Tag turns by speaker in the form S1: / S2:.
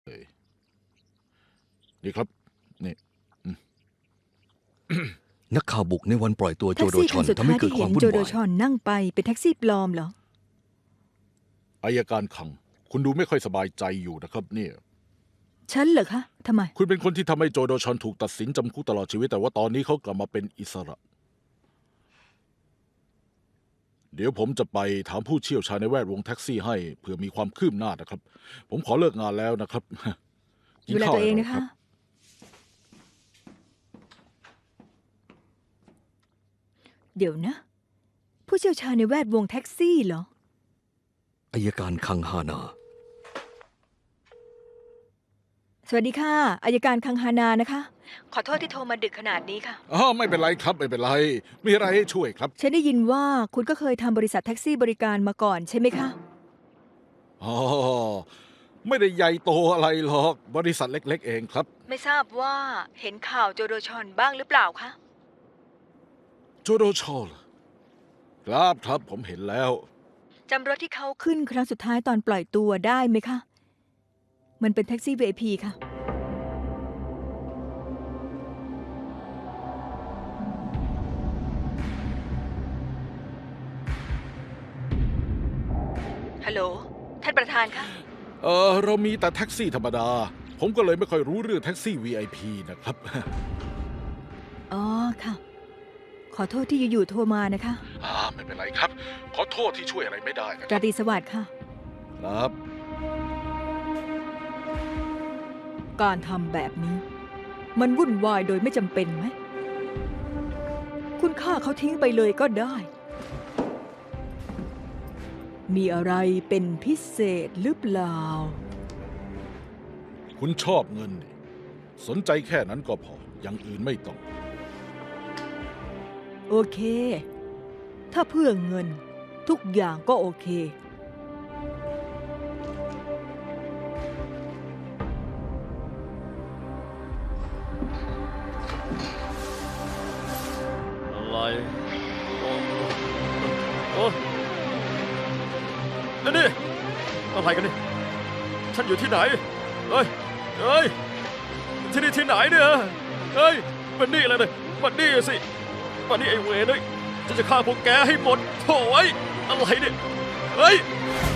S1: เลยนี่ครับนี่
S2: นักข่าวบุกในวันปล่อยตัวโจ
S3: แท็ก
S2: โด
S3: ซี่
S2: ช
S3: คั
S2: อน น
S3: สุด
S2: ทำให้
S3: ท้าย
S2: เกิด
S3: ที่
S2: ควา
S3: เห็
S2: ม
S3: น
S2: วุ่น
S3: โจโด
S2: วาย
S3: ชอนนั่งไปเป็นแท็กซี่ปลอมเหรอ
S1: อัยการคัง คุณดูไม่ค่อยสบายใจอยู่นะครับเนี่ย
S3: ฉันเหรอคะทำไม
S1: คุณเป็นคนที่ทำให้โจโดชอนถูกตัดสินจำคุกตลอดชีวิตแต่ว่าตอนนี้เขากลับมาเป็นอิสระ เดี๋ยวผมจะไปถามผู้เชี่ยวชาญในแวดวงแท็กซี่ให้เผื่อมีความคืบหน้านะครับ ผมขอเลิกงานแล้วนะครับ
S3: ดูแลตัวเองนะคะ เดี๋ยวนะ ผู้เชี่ยวชาญในแวดวงแท็กซี่เหรอ
S2: อัยการคังฮานา
S3: สวัสดีค่ะอัยการคังฮานานะคะ ขอโทษที่โทรมาดึกขนาดนี้ค่ะ
S1: อ๋อไม่เป็นไรครับไม่เป็นไร มีอะไรให้ช่วยครับ
S3: ฉันได้ยินว่าคุณก็เคยทำบริษัทแท็กซี่บริการมาก่อนใช่ไหมคะ
S1: อ๋อไม่ได้ใหญ่โตอะไรหรอกบริษัทเล็กๆเองครับ
S3: ไม่ทราบว่าเห็นข่าวโจโดชอนบ้างหรือเปล่าคะ
S1: โจโดชอลครับครับผมเห็นแล้ว
S3: จำรถที่เขาขึ้นครั้งสุดท้ายตอนปล่อยตัวได้ไหมคะ มันเป็นแท็กซี่ VIP ค่ะ ฮัลโหล ท่านประธานคะ
S1: เรามีแต่แท็กซี่ธรรมดา ผมก็เลยไม่ค่อยรู้เรื่องแท็กซี่ VIP นะครับ
S3: อ๋อค่ะ ขอโทษที่อยู่ๆโทรมานะคะ
S1: ไม่เป็นไรครับ ขอโทษที่ช่วยอะไรไม่ได้นะค
S3: รา
S1: รับ
S3: ตรีสวัสดิ์ค่ะ
S1: ครับ
S3: การทำแบบนี้ มันวุ่นวายโดยไม่จำเป็นไหม คุณฆ่าเขาทิ้งไปเลยก็ได้ มีอะไรเป็นพิเศษหรือเปล่า
S1: คุณชอบเงินนี่สนใจแค่นั้นก็พอ อย่างอื่นไม่ต้อง
S3: โอเค ถ้าเพื่อเงินทุกอย่างก็โอเค
S4: อะไรโอ้นี่อะไรกันนี่ฉันอยู่ที่ไหนเฮ้ยเฮ้ยที่นี่ที่ไหนเนี่ยเฮ้ยมันนี่อะไรเนี่ยมันนี่สิมันนี่ไอ้เวรเลยจะฆ่าพวกแกให้หมดโถ่ไอ้อะไรเนี่ยเฮ้ย